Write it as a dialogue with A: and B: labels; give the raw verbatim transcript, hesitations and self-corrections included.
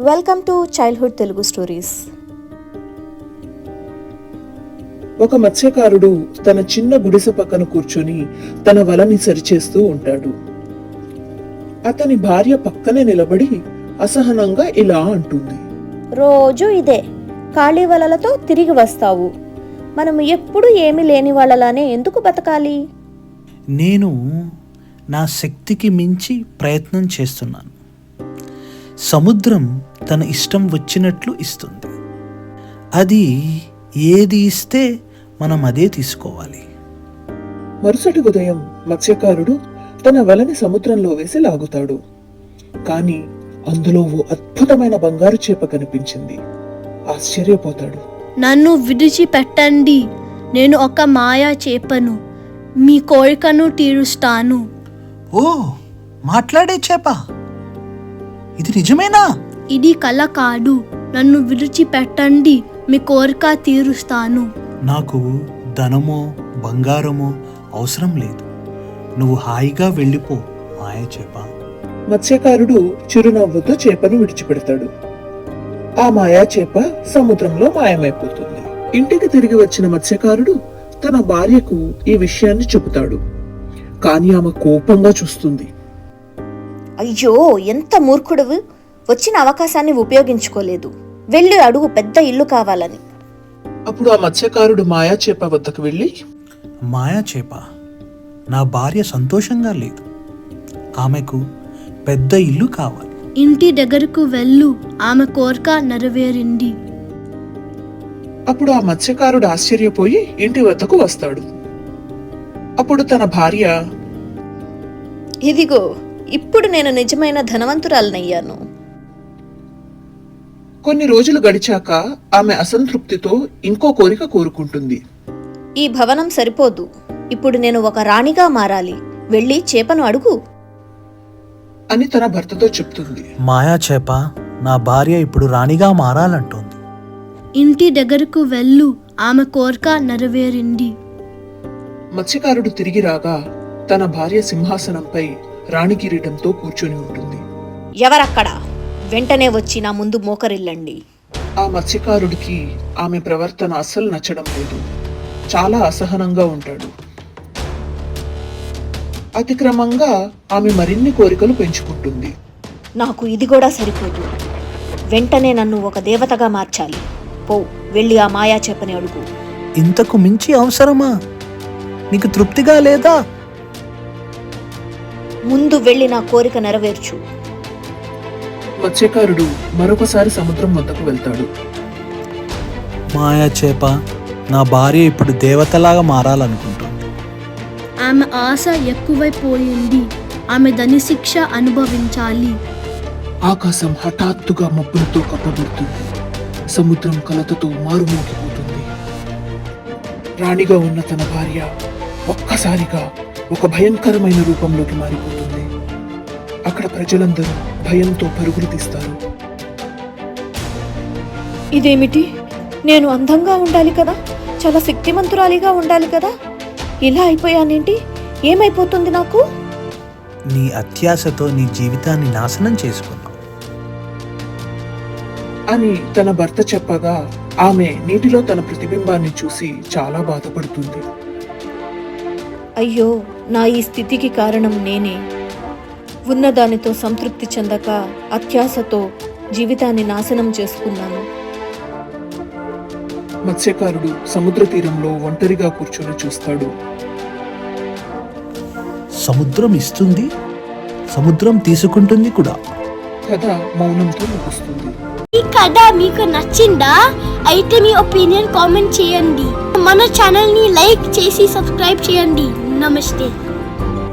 A: Welcome to childhood Telugu stories.
B: ఒక మత్స్యకారుడు తన చిన్న గుడిసె పక్కన కూర్చొని తన వలని సరిచేస్తూ ఉంటాడు. అతని భార్య పక్కనే నిలబడి అసహనంగా ఇలా అంటుంది,
A: రోజు ఇదే ఖాళీ వలలతో తిరిగి వస్తావు. మనం ఎప్పుడు ఏమీ లేని వాళ్ళలానే ఎందుకు బతకాలి?
C: నేను నా శక్తికి మించి ప్రయత్నం చేస్తున్నాను. సముద్రం తన ఇష్టం వచ్చినట్లు ఇస్తుంది. అది ఏది ఇస్తే మనం అదే తీసుకోవాలి.
B: మరుసటి ఉదయం మత్స్యకారుడు తన వలని సముద్రంలో వేసి లాగుతాడు. కాని అందులో ఓ అద్భుతమైన బంగారు చేప కనిపించింది. ఆశ్చర్యపోతాడు.
D: నన్ను విడిచిపెట్టండి, నేను ఒక మాయా చేపను, మీ కోరికను తీరుస్తాను.
C: ఓ, మాట్లాడే చేప, ఇది నిజమేనా?
D: ఇది కల కాదు, నన్ను విడిచిపెట్టండి, మీ కోరిక తీరుస్తాను.
C: నాకు ధనమో బంగారమో అవసరం లేదు, నువ్వు హాయిగా వెళ్ళిపో మాయ చేప.
B: మత్స్యకారుడు చిరునవ్వుతో చేపను విడిచిపెడతాడు. ఆ మాయా చేప సముద్రంలో మాయమైపోతుంది. ఇంటికి తిరిగి వచ్చిన మత్స్యకారుడు తన భార్యకు ఈ విషయాన్ని చెబుతాడు. కాని ఆమె కోపంగా చూస్తుంది.
A: అయ్యో, ఎంత మూర్ఖుడువు! వచ్చిన అవకాశాన్ని ఉపయోగించుకోలేదు. వెళ్ళి అడుగు, పెద్ద ఇల్లు కావాలని.
B: అప్పుడు ఆ మత్స్యకారుడు మాయా చేప వద్దకు వెళ్ళి,
C: మాయా చేప, నా భార్య సంతోషంగా లేదు, ఆమెకు పెద్ద ఇల్లు కావాలి.
D: ఇంటి దగ్గరకు వెళ్ళు, ఆమె కోరిక నెరవేరింది.
B: అప్పుడు ఆ మత్స్యకారుడు ఆశ్చర్యపోయి ఇంటి వద్దకు వస్తాడు. అప్పుడు తన భార్య,
A: ఇదిగో, ఇప్పుడు నేను నిజమైన ధనవంతురాలనయ్యాను.
B: కొన్ని రోజులు గడిచాక ఆమె అసంతృప్తితో ఇంకో కోరిక కోరుకుంటుంది.
A: ఈ భవనం సరిపోదు, ఇప్పుడు నేను ఒక రాణిగా మారాలి. వెళ్ళి చేపను అడుగు
B: అని తన భర్తతో చెప్తుంది.
C: మాయా చేప, నా భార్య ఇప్పుడు రాణిగా మారాలంటోంది.
D: ఇంటి దగ్గరకు వెళ్ళు, ఆమె కోరిక నెరవేరింది.
B: మత్స్యకారుడు తిరిగి రాగా తన భార్య సింహాసనంపై రాణి కిరీటంతో కూర్చొని ఉంటుంది.
A: ఎవరక్కడ? వెంటనే వచ్చి నా ముందు మోకరిల్లండి.
B: ఆ మత్స్యకారుడికి ఆమె ప్రవర్తన అస్సలు నచ్చడం లేదు. చాలా అసహనంగా ఉంటాడు. అతిక్రమంగా ఆమె మరిన్ని కోరికలు పెంచుకుంటుంది.
A: నాకు ఇది కూడా సరిపోదు. వెంటనే నన్ను ఒక దేవతగా మార్చాలి. పో, వెళ్ళి ఆ మాయా చేపని అడుగు.
C: ఇంతకు మించి అవసరమా? నీకు తృప్తిగా లేదా?
A: ముందు వెళ్ళి నా కోరిక నెరవేర్చు.
B: మత్స్యకారుడు మరొకసారి సముద్రం వద్దకు వెళ్తాడు.
C: మాయా చేప, నా భార్య ఇప్పుడు దేవతలాగా మారాలనుకుంటుంది.
D: ఆమె ఆశ ఎక్కువైపోయింది, ఆమె ధని శిక్ష అనుభవించాలి.
B: ఆకాశం హఠాత్తుగా మబ్బులతో కప్పబడుతుంది. సముద్రం కలతతో మారుమోగిపోతుంది. రాణిగా ఉన్న తన భార్య ఒక్కసారిగా ఒక భయంకరమైన రూపంలోకి మారిపోతుంది. అక్కడ ప్రజలందరూ భయంతో పరుగులు తీస్తారు.
A: ఇదేమిటి? నేను అందంగా ఉండాలి కదా, చాలా శక్తిమంతురాలిగా ఉండాలి కదా, ఇలా అయిపోయానేంటి? ఏమైపోతుంది నాకు?
C: నీ అత్యాశతో నీ జీవితాన్ని నాశనం చేసుకున్నావు
B: అని తన భర్త చెప్పగా ఆమె నీటిలో తన ప్రతిబింబాన్ని చూసి చాలా బాధపడుతుంది.
A: అయ్యో, నా ఈ స్థితికి కారణం నేనే. ఉన్నదానితో సంతృప్తి చెందక అత్యాశతో జీవితాన్ని నాశనం చేసుకున్నాను.
B: మత్స్యకారుడు సముద్ర తీరంలో ఒంటరిగా కూర్చొని చూస్తాడు.
C: సముద్రం ఇస్తుంది, సముద్రం తీసుకుంటుంది కూడా.
B: కథ మౌనంతో ముగుస్తుంది.
D: ఈ కథ మీకు నచ్చిందా? అయితే మీ ఒపీనియన్ కామెంట్ చేయండి. మన ఛానల్ ని లైక్ చేసి సబ్స్క్రైబ్ చేయండి. నమస్తే.